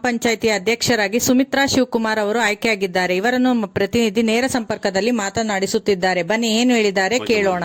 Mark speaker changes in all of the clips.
Speaker 1: ಪಂಚಾಯಿತಿ ಅಧ್ಯಕ್ಷರಾಗಿ ಸುಮಿತ್ರಾ ಶಿವಕುಮಾರ್ ಅವರು ಆಯ್ಕೆಯಾಗಿದ್ದಾರೆ. ಇವರನ್ನು ಪ್ರತಿನಿಧಿ ನೇರ ಸಂಪರ್ಕದಲ್ಲಿ ಮಾತನಾಡಿಸುತ್ತಿದ್ದಾರೆ. ಬನ್ನಿ ಏನು ಹೇಳಿದ್ದಾರೆ ಕೇಳೋಣ.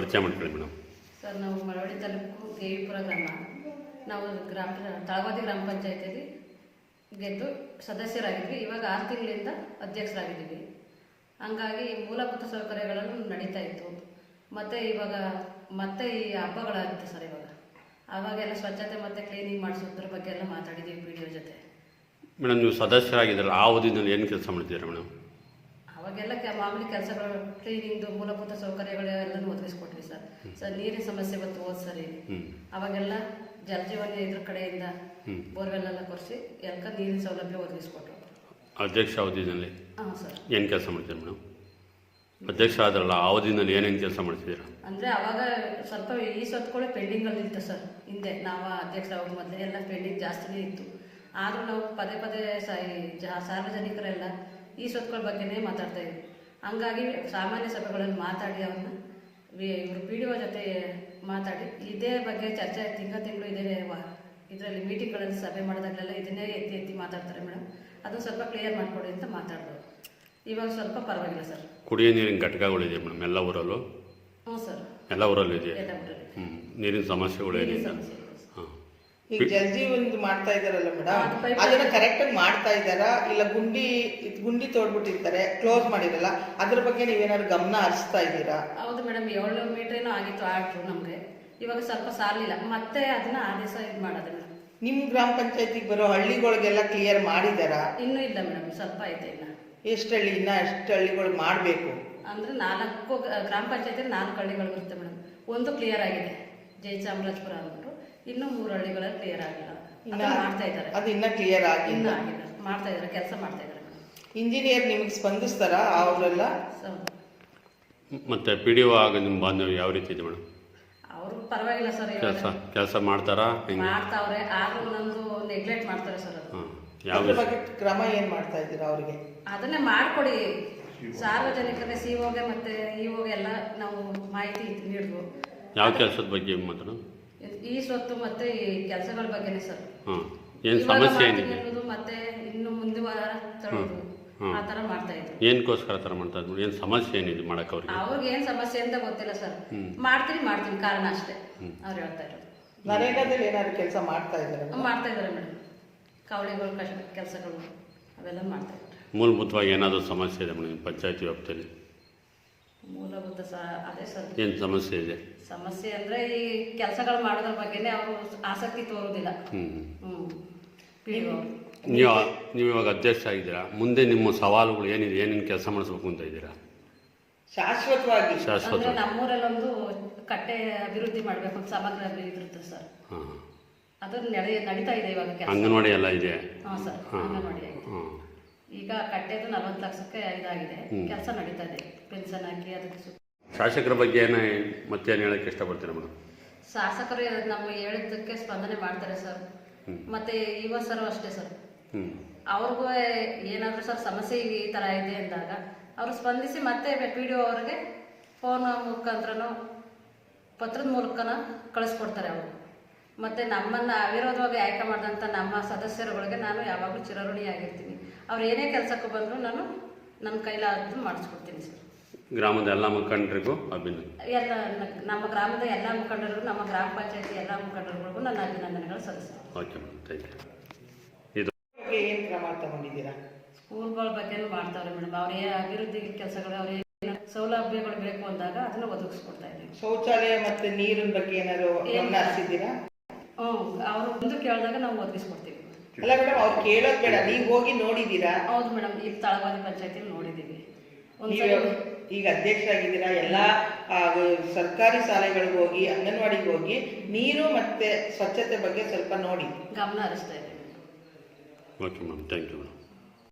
Speaker 2: ಸರ್, ನಾವು ಮಳವಳ್ಳಿ ತಾಲೂಕು ದೇವಿಪುರ ಗ್ರಾಮ. ನಾವು ತಳವಾದಿ ಗ್ರಾಮ ಪಂಚಾಯಿತಿಯಲ್ಲಿ ಗೆದ್ದು ಸದಸ್ಯರಾಗಿದ್ವಿ. ಇವಾಗ 6 ತಿಂಗಳಿಂದ ಅಧ್ಯಕ್ಷರಾಗಿದ್ದೀವಿ. ಹಂಗಾಗಿ ಮೂಲಭೂತ ಸೌಕರ್ಯಗಳನ್ನು ನಡೀತಾ ಇತ್ತು. ಮತ್ತು ಇವಾಗ ಮತ್ತೆ ಈ ಹಬ್ಬಗಳಾಗುತ್ತೆ ಸರ್. ಆವಾಗೆಲ್ಲ ಸ್ವಚ್ಛತೆ ಮತ್ತು ಕ್ಲೀನಿಂಗ್ ಮಾಡಿಸೋದ್ರ ಬಗ್ಗೆ ಎಲ್ಲ ಮಾತಾಡಿದ್ದೀವಿ PDO ಜೊತೆ.
Speaker 3: ಮೇಡಮ್, ನೀವು ಸದಸ್ಯರಾಗಿದ್ದರೆ ಆ ಅವಧಿನಲ್ಲಿ ಏನು ಕೆಲಸ ಮಾಡ್ತಿದ್ದೀರಾ ಮೇಡಮ್?
Speaker 2: ಅವಾಗೆಲ್ಲ ಮಾಮೂಲಿ ಕೆಲಸಗಳು, ಕ್ಲೀನಿಂಗ್ದು ಮೂಲಭೂತ ಸೌಕರ್ಯಗಳೆಲ್ಲನೂ ಒದಗಿಸ್ಕೊಟ್ವಿ ಸರ್. ನೀರಿನ ಸಮಸ್ಯೆ ಬಂತು ಹೋದ ಸರಿ. ಅವಾಗೆಲ್ಲ ಜಲಜೀವನ ಇದ್ರ ಕಡೆಯಿಂದ ಬೋರ್ವೆಲ್ ಎಲ್ಲ ಕೊರೆಸಿ ಎಲ್ಲ ನೀರಿನ ಸೌಲಭ್ಯ ಒದಗಿಸ್ಕೊಟ್ರು.
Speaker 3: ಅಧ್ಯಕ್ಷ ಅವಧಿನಲ್ಲಿ
Speaker 2: ಹಾಂ ಸರ್.
Speaker 3: ಏನು ಕೆಲಸ ಮಾಡ್ತೀರಾ ಮೇಡಮ್? ಅಧ್ಯಕ್ಷ ಆದ್ರಲ್ಲ, ಆ ಅವಧಿನಲ್ಲಿ ಏನೇನು ಕೆಲಸ ಮಾಡ್ತಿದ್ದೀರಾ?
Speaker 2: ಅಂದರೆ ಅವಾಗ ಸ್ವಲ್ಪ ಈ ಸ್ವತ್ತುಗಳು ಪೆಂಡಿಂಗಲ್ಲಿ ಇತ್ತು ಸರ್. ಹಿಂದೆ ನಾವು ಅಧ್ಯಕ್ಷ ಆಗೋದು ಮೊದಲೇ ಎಲ್ಲ ಪೆಂಡಿಂಗ್ ಜಾಸ್ತಿನೇ ಇತ್ತು. ಆದರೂ ನಾವು ಪದೇ ಪದೇ ಸಾರ್ವಜನಿಕರೆಲ್ಲ ಈ ಸ್ವತ್ತುಗಳ ಬಗ್ಗೆನೇ ಮಾತಾಡ್ತಾ ಇದ್ವಿ. ಹಂಗಾಗಿ ಸಾಮಾನ್ಯ ಸಭೆಗಳಲ್ಲಿ ಮಾತಾಡಿ ಅವ್ರನ್ನ ಇವರು PDO ಜೊತೆ ಮಾತಾಡಿ ಇದೇ ಬಗ್ಗೆ ಚರ್ಚೆ ತಿಂಗಳು ಇದೇ ಇದರಲ್ಲಿ ಮೀಟಿಂಗ್ಗಳಲ್ಲಿ ಸಭೆ ಮಾಡಿದಾಗಲೆಲ್ಲ ಇದನ್ನೇ ಎತ್ತಿ ಮಾತಾಡ್ತಾರೆ ಮೇಡಮ್. ಅದು ಸ್ವಲ್ಪ ಕ್ಲಿಯರ್ ಮಾಡಿಕೊಡಿ ಅಂತ ಮಾತಾಡೋದು. ಇವಾಗ ಸ್ವಲ್ಪ ಪರವಾಗಿಲ್ಲ ಸರ್.
Speaker 3: ಕುಡಿಯೋ ನೀರಿನ ಘಟಕಗಳಿದೆ ಮೇಡಮ್ ಎಲ್ಲ ಊರಲ್ಲೂ?
Speaker 2: ಹ್ಞೂ ಸರ್,
Speaker 3: ಎಲ್ಲ ಊರಲ್ಲೂ ಇದೆ.
Speaker 2: ಎಲ್ಲ ಊರಲ್ಲಿ
Speaker 3: ನೀರಿನ ಸಮಸ್ಯೆಗಳು ಏನಿಲ್ಲ.
Speaker 4: ಈಗ ಜಲಜೀವನ್ ಮಾಡ್ತಾ ಇದಾರಲ್ಲ ಮೇಡಮ್, ಅದನ್ನ ಕರೆಕ್ಟಾಗಿ ಮಾಡ್ತಾ ಇದ್ದಾರಾ ಇಲ್ಲ ಗುಂಡಿ ತೋಡ್ಬಿಟ್ಟಿರ್ತಾರೆ, ಕ್ಲೋಸ್ ಮಾಡಿರಲ್ಲ, ಅದ್ರ ಬಗ್ಗೆ ನೀವೇನಾದ್ರು ಗಮನ ಹರಿಸ್ತಾ ಇದ್ದೀರಾ?
Speaker 2: ಹೌದು ಮೇಡಮ್, 700 ಮೀಟರ್ ಏನೋ ಆಗಿತ್ತು ಆರ್ಡ್ರು ನಮಗೆ. ಇವಾಗ ಸ್ವಲ್ಪ ಸಾಲಿಲ್ಲ, ಮತ್ತೆ ಅದನ್ನ ಆದೇಶ ಇದು ಮಾಡೋದಿಲ್ಲ.
Speaker 4: ನಿಮ್ಮ ಗ್ರಾಮ ಪಂಚಾಯತಿಗೆ ಬರೋ ಹಳ್ಳಿಗಳಿಗೆಲ್ಲ ಕ್ಲಿಯರ್ ಮಾಡಿದಾರಾ?
Speaker 2: ಇನ್ನೂ ಇಲ್ಲ ಮೇಡಮ್, ಸ್ವಲ್ಪ ಐತೆ ಇಲ್ಲ.
Speaker 4: ಎಷ್ಟು ಹಳ್ಳಿ, ಇನ್ನ ಎಷ್ಟು ಹಳ್ಳಿಗಳು ಮಾಡಬೇಕು
Speaker 2: ಅಂದರೆ 4 ಗ್ರಾಮ ಪಂಚಾಯತಿಯಲ್ಲಿ 4 ಹಳ್ಳಿಗಳು ಬರುತ್ತೆ ಮೇಡಮ್. ಒಂದು ಕ್ಲಿಯರ್ ಆಗಿದೆ, ಜಯಚಾಮರಾಜಪುರ ಅಂದ್ಬಿಟ್ಟು. ಇನ್ನೂ 3 ಹಳ್ಳಿಗಳಲ್ಲಿ ಕ್ಲಿಯರ್ ಆಗಿಲ್ಲ. ಮಾಡ್ತಾ ಇದ್ದಾರೆ. ಅದು
Speaker 4: ಇನ್ನ ಕ್ಲಿಯರ್ ಆಗಿಲ್ಲ,
Speaker 2: ಮಾಡ್ತಾ ಇದ್ದಾರೆ, ಕೆಲಸ ಮಾಡ್ತಾ ಇದ್ದಾರೆ.
Speaker 4: ಇಂಜಿನಿಯರ್ ನಿಮಗೆ ಸ್ಪಂದಿಸ್ತಾರಾ ಅವರೆಲ್ಲ?
Speaker 3: ಮತ್ತೆ PDO ಆಗ ನಿಮ್ಮ ಬಾಂಧವ್ಯ ಯಾವ ರೀತಿ ಇದೆ ಮೇಡಮ್?
Speaker 2: ಅವರು ಪರವಾಗಿಲ್ಲ ಸರ್,
Speaker 3: ಕೆಲಸ ಮಾಡ್ತಾರಾ?
Speaker 2: ಮಾಡ್ತಾವ್ರೆ, ಆದ್ರೂ ನಮ್ದು ನೆಗ್ಲೆಕ್ಟ್ ಮಾಡ್ತಾರೆ ಸರ್.
Speaker 4: ಯಾವ ಬಗ್ಗೆ ಕ್ರಮ ಏನ್ ಮಾಡ್ತಾ ಇದ್ದೀರಾ ಅವ್ರಿಗೆ?
Speaker 2: ಅದನ್ನೇ ಮಾಡ್ಕೊಡಿ ಸಾರ್ವಜನಿಕರಿಗೆ, COಗೆ ಮತ್ತೆ EOಗೆ ಎಲ್ಲ ನಾವು ಮಾಹಿತಿ ನೀಡಿದ್ವು.
Speaker 3: ಯಾವ ಕೆಲಸದ ಬಗ್ಗೆ ಮಾತಾಡೋದು?
Speaker 2: ಈ ಸ್ವತ್ತು ಮತ್ತೆ ಈ ಕೆಲಸಗಳ ಬಗ್ಗೆನೇ ಸರ್.
Speaker 3: ಏನು ಸಮಸ್ಯೆ ಏನಿದೆ
Speaker 2: ಮತ್ತೆ ಇನ್ನು ಮುಂದೆ ತಳ್ಳೋದು ಆ ಥರ ಮಾಡ್ತಾ ಇದ್ರು.
Speaker 3: ಏನಕ್ಕೋಸ್ಕರ ಥರ ಮಾಡ್ತಾ ಇದ್ರು? ಏನು ಸಮಸ್ಯೆ ಏನಿದೆ ಮಾಡಕ್ಕೆ ಅವ್ರಿಗೆ
Speaker 2: ಏನು ಸಮಸ್ಯೆ ಅಂತ ಗೊತ್ತಿಲ್ಲ ಸರ್. ಮಾಡ್ತೀನಿ ಕಾರಣ ಅಷ್ಟೇ ಅವ್ರು ಹೇಳ್ತಾ ಇರೋದು.
Speaker 4: ನರೇಗಾದಲ್ಲಿ ಏನಾದ್ರು ಕೆಲಸ ಮಾಡ್ತಾ ಇದ್ದಾರೆ?
Speaker 2: ಮಾಡ್ತಾ ಇದ್ದಾರೆ ಮೇಡಮ್, ಕವಳಿಗಳು ಕೆಲಸಗಳು ಅವೆಲ್ಲ ಮಾಡ್ತಾ ಇದ್ದಾರೆ.
Speaker 3: ಮೂಲಭೂತವಾಗಿ ಏನಾದರೂ ಸಮಸ್ಯೆ ಇದೆ ಮೇಡಮ್ ಪಂಚಾಯತಿ ವ್ಯಾಪ್ತಿಯಲ್ಲಿ?
Speaker 2: ಮೂಲಭೂತ ಅದೇ ಸರ್.
Speaker 3: ಏನು ಸಮಸ್ಯೆ ಇದೆ?
Speaker 2: ಸಮಸ್ಯೆ ಅಂದರೆ ಈ ಕೆಲಸಗಳು ಮಾಡೋದ್ರ ಬಗ್ಗೆನೇ ಅವರು ಆಸಕ್ತಿ ತೋರೋದಿಲ್ಲ.
Speaker 3: ನೀವು ಇವಾಗ ಅಧ್ಯಕ್ಷ ಆಗಿದ್ದೀರಾ, ಮುಂದೆ ನಿಮ್ಮ ಸವಾಲುಗಳು ಏನಿದೆ, ಏನೇನು ಕೆಲಸ ಮಾಡಿಸ್ಬೇಕು ಅಂತ ಇದ್ದೀರಾ?
Speaker 4: ಶಾಶ್ವತವಾಗಿ
Speaker 2: ನಮ್ಮೂರಲ್ಲೊಂದು ಕಟ್ಟೆ ಅಭಿವೃದ್ಧಿ ಮಾಡಬೇಕು ಅಂತ ಸಮಗ್ರ ಅಭಿವೃದ್ಧಿ ಸರ್. ಅದು ನಡೀತಾ ಇದೆ ಇವಾಗ.
Speaker 3: ಅಂಗನವಾಡಿ ಎಲ್ಲ ಇದೆ?
Speaker 2: ಹಾಂ ಸರ್, ಅಂಗನವಾಡಿ ಈಗ ಕಟ್ಟೆದು 40 ಲಕ್ಷಕ್ಕೆ ಇದಾಗಿದೆ, ಕೆಲಸ ನಡೀತಾ ಇದೆ. ಪೆನ್ಷನ್ ಹಾಕಿ ಅದಕ್ಕೆ.
Speaker 3: ಶಾಸಕರ ಬಗ್ಗೆ ಮತ್ತೇನು ಹೇಳಕ್ಕೆ ಇಷ್ಟಪಡ್ತೀರಾ ಮೇಡಮ್?
Speaker 2: ಶಾಸಕರು ನಾವು ಹೇಳಿದ್ದಕ್ಕೆ ಸ್ಪಂದನೆ ಮಾಡ್ತಾರೆ ಸರ್. ಮತ್ತೆ ಯುವ ಸರ್ ಅಷ್ಟೇ ಸರ್, ಅವ್ರಿಗೂ ಏನಾದರೂ ಸರ್ ಸಮಸ್ಯೆ ಈ ಥರ ಇದೆ ಅಂದಾಗ ಅವರು ಸ್ಪಂದಿಸಿ ಮತ್ತೆ PDO ಅವ್ರಿಗೆ ಫೋನ್ ಮುಖಾಂತರನೋ ಪತ್ರದ ಮೂಲಕನ ಕಳಿಸ್ಕೊಡ್ತಾರೆ ಅವರು. ಮತ್ತು ನಮ್ಮನ್ನು ಅವಿರೋಧವಾಗಿ ಆಯ್ಕೆ ಮಾಡಿದಂಥ ನಮ್ಮ ಸದಸ್ಯರುಗಳಿಗೆ ನಾನು ಯಾವಾಗಲೂ ಚಿರಋಣಿಯಾಗಿರ್ತೀನಿ. ಅವ್ರು ಏನೇ ಕೆಲಸಕ್ಕೂ ಬಂದರೂ ನಾನು ನನ್ನ ಕೈಲಾದ್ದು ಮಾಡಿಸ್ಕೊಡ್ತೀನಿ ಸರ್.
Speaker 3: ಗ್ರಾಮದ ಎಲ್ಲ ಮುಖಂಡರಿಗೂ
Speaker 2: ಎಲ್ಲ ನಮ್ಮ ಗ್ರಾಮದ ಎಲ್ಲ ಮುಖಂಡರಿಗೂ, ನಮ್ಮ ಗ್ರಾಮ ಪಂಚಾಯತಿ ಎಲ್ಲ ಮುಖಂಡರುಗಳಿಗೂ ನನ್ನ ಅಭಿನಂದನೆಗಳು ಸಲ್ಲಿಸ್ತೀನಿ.
Speaker 3: Okay madam, thank you.
Speaker 4: ಏನು ಕ್ರಮ ತಗೊಂಡಿದ್ದೀರಾ?
Speaker 2: ಸ್ಕೂಲ್ಗಳ ಬಗ್ಗೆನೂ ಮಾಡ್ತಾವ್ರೆ ಮೇಡಮ್. ಅವ್ರ ಅಭಿವೃದ್ಧಿ ಕೆಲಸಗಳು, ಅವ್ರ ಸೌಲಭ್ಯಗಳು ಬೇಕು ಅಂದಾಗ ಅದನ್ನು ಒದಗಿಸ್ಕೊಡ್ತಾ ಇದ್ದೀವಿ.
Speaker 4: ಶೌಚಾಲಯ ಮತ್ತೆ ನೀರಿನ ಬಗ್ಗೆ ಏನಾದ್ರು ಗಮನ ಹರಿಸಿದ್ದೀರಾ?
Speaker 2: ಅವರು ಒಂದು ಕೇಳಿದಾಗ ನಾವು ಒದಗಿಸ್ಕೊಡ್ತೀವಿ.
Speaker 4: ಅಲ್ಲ ಮೇಡಮ್, ಅವ್ರು ಕೇಳೋದು ಬೇಡ, ನೀವು ಹೋಗಿ ನೋಡಿದ್ದೀರಾ?
Speaker 2: ಹೌದು ಮೇಡಮ್, ಇಲ್ಲಿ ತಳವಾದಿ ಪಂಚಾಯತಿಲಿ ನೋಡಿದ್ದೀವಿ.
Speaker 4: ಈಗ ಅಧ್ಯಕ್ಷ ಆಗಿದ್ದೀರಾ, ಎಲ್ಲ ಸರ್ಕಾರಿ ಶಾಲೆಗಳಿಗೆ ಹೋಗಿ, ಅಂಗನವಾಡಿಗೆ ಹೋಗಿ ನೀರು ಮತ್ತೆ ಸ್ವಚ್ಛತೆ ಬಗ್ಗೆ ಸ್ವಲ್ಪ ನೋಡಿ
Speaker 2: ಗಮನ ಹರಿಸ್ತಾ ಇದ್ದೀವಿ.
Speaker 3: Okay madam, thank you madam.